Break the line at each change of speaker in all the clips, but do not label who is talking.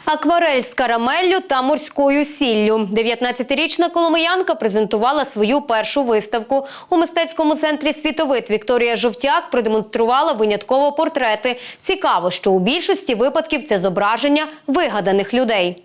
Акварель з карамеллю та морською сіллю. 19-річна коломиянка презентувала свою першу виставку. У мистецькому центрі «Світовид» Вікторія Жовтяк продемонструвала винятково портрети. Цікаво, що у більшості випадків це зображення вигаданих людей.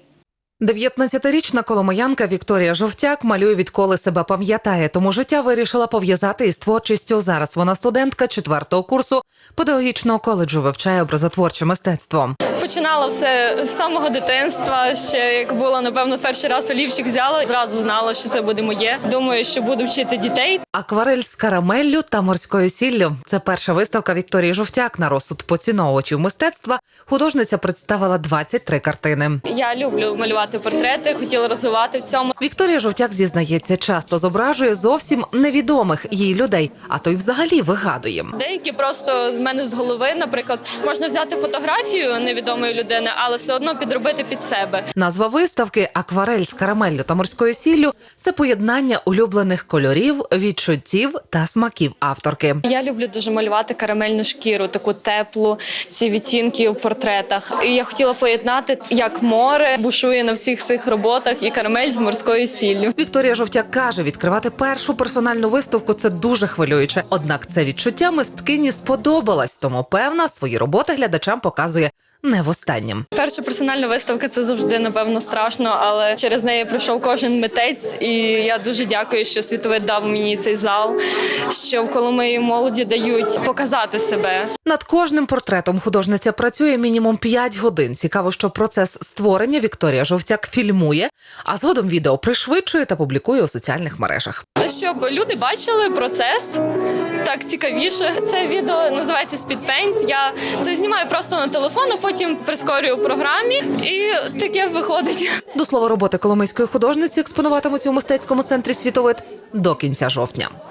19-річна коломиянка Вікторія Жовтяк малює відколи себе пам'ятає, тому життя вирішила пов'язати із творчістю. Зараз вона студентка 4-го курсу педагогічного коледжу, вивчає образотворче мистецтво.
Починала все з самого дитинства, ще як було, напевно, перший раз олівчик взяла, зразу знала, що це буде моє. Думаю, що буду вчити дітей.
Акварель з карамеллю та морською сіллю – це перша виставка Вікторії Жовтяк. На розсуд поціновувачів мистецтва художниця представила 23 картини.
Я люблю малювати портрети, хотіла розвивати в цьому.
Вікторія Жовтяк зізнається, часто зображує зовсім невідомих їй людей, а то й взагалі вигадує.
Деякі просто з мене з голови, наприклад, можна взяти фотографію невідомої людини, але все одно підробити під себе.
Назва виставки «Акварель з карамеллю та морською сіллю» – це поєднання улюблених кольорів, відчуттів та смаків авторки.
Я люблю дуже малювати карамельну шкіру, таку теплу, ці відтінки в портретах. І я хотіла поєднати, як море бушує на всіх цих роботах, і карамель з морською сіллю.
Вікторія Жовтяк каже, відкривати першу персональну виставку – це дуже хвилююче. Однак це відчуття мисткині сподобалось, тому, певна, свої роботи глядачам показує не востаннє.
Перша персональна виставка – це завжди, напевно, страшно, але через неї пройшов кожен митець, і я дуже дякую, що «Світовид» дав мені цей зал, що в Коломиї молоді дають показати себе.
Над кожним портретом художниця працює мінімум 5 годин. Цікаво, що процес створення Вікторія Жовтяк фільмує, а згодом відео пришвидшує та публікує у соціальних мережах.
Щоб люди бачили процес, так цікавіше. Це відео називається «Speedpaint». Я це знімаю просто на телефон, а потім прискорюю в програмі, і таке виходить.
До слова, роботи коломийської художниці експонуватимуться у мистецькому центрі «Світовид» до кінця жовтня.